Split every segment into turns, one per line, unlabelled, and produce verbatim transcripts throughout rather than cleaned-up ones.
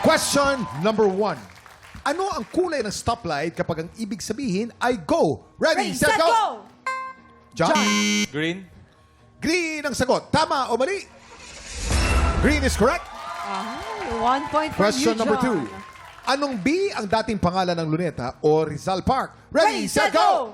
Question number one. Ano ang kulay ng stoplight kapag ang ibig sabihin ay go? Ready, set, go! John?
Green.
Green ang sagot. Tama o mali? Green is correct.
Ah, one point for
Question
you,
number
John.
two. Anong B ang dating pangalan ng Luneta o Rizal Park? Ready, set, go!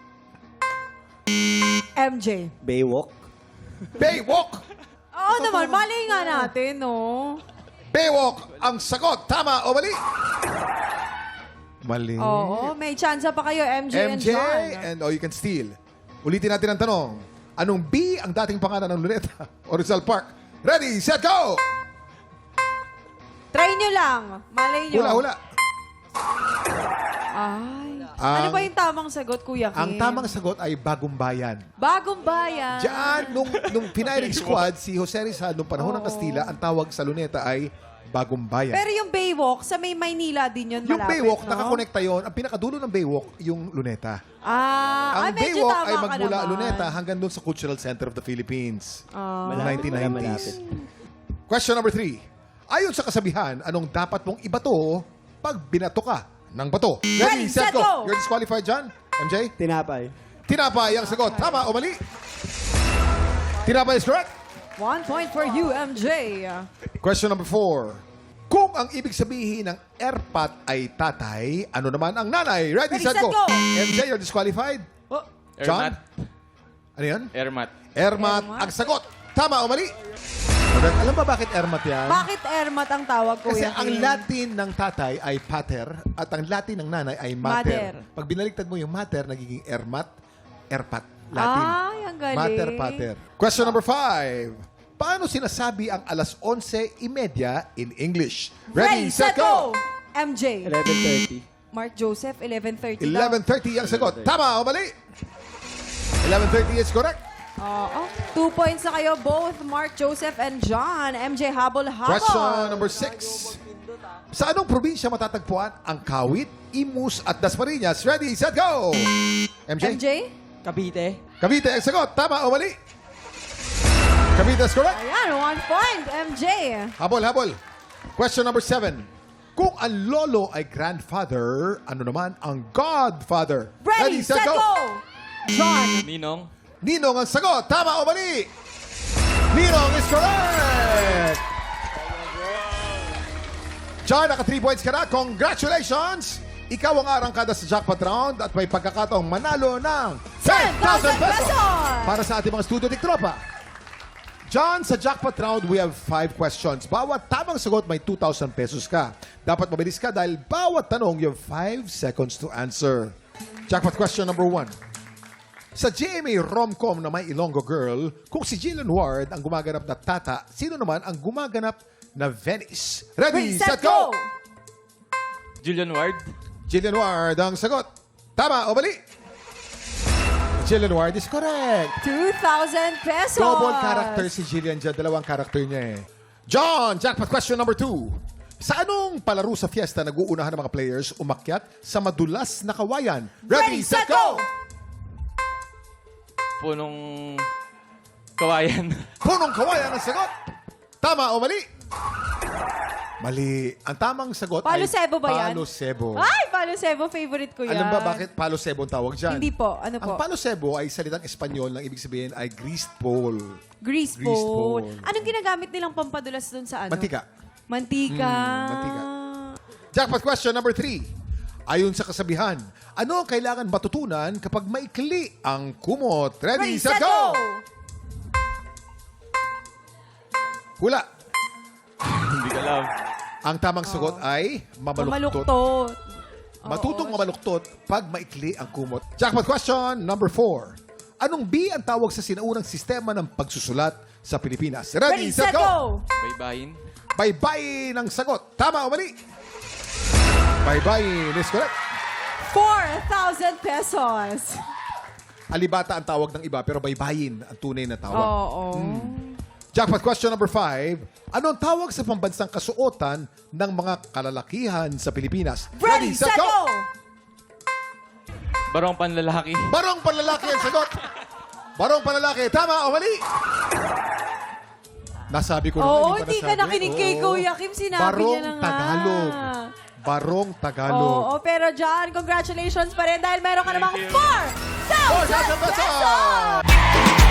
M J.
Baywalk.
Baywalk!
Oo naman, mali nga natin, no?
Baywalk ang sagot. Tama o mali? Mali.
Oo, may chance pa kayo, M J,
M
and
J
John.
and oh, you can steal. Ulitin natin ang tanong. Anong B ang dating pangalan ng Luneta o Rizal Park? Ready, set, go!
Try nyo lang. Malay nyo.
Hula, hula.
Ay.
Ang-
ano ba yung tamang sagot, Kuya Kim?
Ang tamang sagot ay Bagong Bayan.
Bagong bayan.
Diyan, nung, nung Pinairing Squad, si Jose Rizal, nung panahon ng
Oo.
Kastila, ang tawag sa Luneta ay Bagong Bayan.
Pero yung Baywalk, sa may Maynila din yun
yung
malapit,
Baywalk,
no?
nakakonekta yon. Ang pinakadulo ng Baywalk, yung Luneta.
Ah,
Ang
ay, medyo
Baywalk
tama
ay
ka
magmula
naman.
Luneta hanggang doon sa Cultural Center of the Philippines.
Ah.
Noong nineteen nineties.
Malapit.
Question number three. Ayon sa kasabihan, anong dapat mong ibato pag binato ka ng bato?
Ready, set, go!
You're disqualified, John. M J?
Tinapay.
Tinapay ang sagot. Tama o mali? Tinapay is correct.
One point for you, M J.
Question number four. Kung ang ibig sabihin ng erpat ay tatay, ano naman ang nanay? Ready,
Ready,
set,
set,
go!
go!
M J, you're disqualified.
Oh,
John?
Ermat.
Ano yan?
Ermat.
Ermat,
Ermat.
ang sagot. Tama o mali? Correct. Alam ba bakit ermat yan?
bakit Ermat ang tawag,
Kasi
Kuya
ang
Kim?
Latin ng tatay ay pater at ang Latin ng nanay ay mater.
Mater.
Pag binaliktad mo yung mater, nagiging ermat, erpat. Latin.
Ay, ang galing.
Mater, pater. Question number five. Paano sinasabi ang alas onse imedya in English?
Ready, set, go! M J.
eleven thirty.
Mark Joseph, eleven thirty
eleven thirty ang sagot. Tama o mali? eleven thirty is correct.
Oo. Two points na kayo, both Mark Joseph and John. M J habol-habol.
Question number six. Sa anong probinsya matatagpuan ang Kawit, Imus at Dasmariñas? Ready, set, go! M J?
M J?
Cavite.
Cavite ang sagot. Tama o mali? Cavite is correct.
Ayan, one point, M J.
Habol, habol. Question number seven. Kung ang lolo ay grandfather, ano naman ang godfather?
Ready, set, go! John.
Ninong.
Ninong ang sagot. Tama o mali? Ninong is correct! John, naka three points ka na. Congratulations! Ikaw ang arangkada sa jackpot round at may pagkakataong manalo ng ten thousand pesos para sa ating mga studio tiktropa. John, sa jackpot round, we have five questions. Bawat tamang sagot, may two thousand pesos ka. Dapat mabilis ka dahil bawat tanong, you have five seconds to answer. Jackpot question number one. Sa G M A rom-com na may Ilonggo Girl, kung si Jillian Ward ang gumaganap na Tata, sino naman ang gumaganap na Venice? Ready,
Ready,
set, go!
Julian Ward.
Jillian Ward ang sagot. Tama o mali? Jillian Ward is correct.
two thousand pesos.
Double character si Jillian dyan. Dalawang character niya eh. John, jackpot question number two. Sa anong palaro sa fiesta nag-uunahan ng mga players umakyat sa madulas na kawayan? Ready, set, go!
Punong kawayan.
Punong kawayan ang sagot. Tama o mali? Mali. Ang tamang sagot
Palo
ay
Sebo ba yan?
Palo Sebo.
Ay, Palo Sebo, favorite ko yan.
Alam ba bakit Palo Sebo ang tawag dyan?
Hindi po. Ano
Ang
po?
Palo Sebo ay salitang Espanyol na ibig sabihin ay greased pole.
Grease
Grease
pole.
pole.
Anong ginagamit nilang pampadulas doon sa ano?
Mantika.
Mantika.
Mm, mantika. Jackpot question number three. Ayon sa kasabihan, ano ang kailangan matutunan kapag maikli ang kumot? Ready,
Ready,
set, go! Hula.
Hindi ko alam.
Ang tamang sagot ay mamaluktot.
Mamaluktot.
Matutong
Oo.
mamaluktot pag maikli ang kumot. Jackpot question number four. Anong B ang tawag sa sinaunang sistema ng pagsusulat sa Pilipinas? Ready,
Ready, set, go!
Baybayin.
Baybayin ang sagot. Tama o mali? Baybayin is correct.
four thousand pesos.
Alibata ang tawag ng iba, pero baybayin ang tunay na tawag.
Oo.
Jackpot question number five. Ano ang tawag sa pambansang kasuotan ng mga kalalakihan sa Pilipinas?
Ready, set, go!
Barong panlalaki.
Barong panlalaki ang sagot. Barong panlalaki. Tama o mali? Nasabi ko naman.
Oo,
ba
hindi ka
nasabi?
nakinig kay
Oo.
Kuya Kim. Sinabi
Barong
niya na nga.
Tagalog. Barong Tagalog.
Oo, pero John, congratulations pa rin dahil meron ka namang
Thank you.
four thousand
four thousand pesos!
pesos!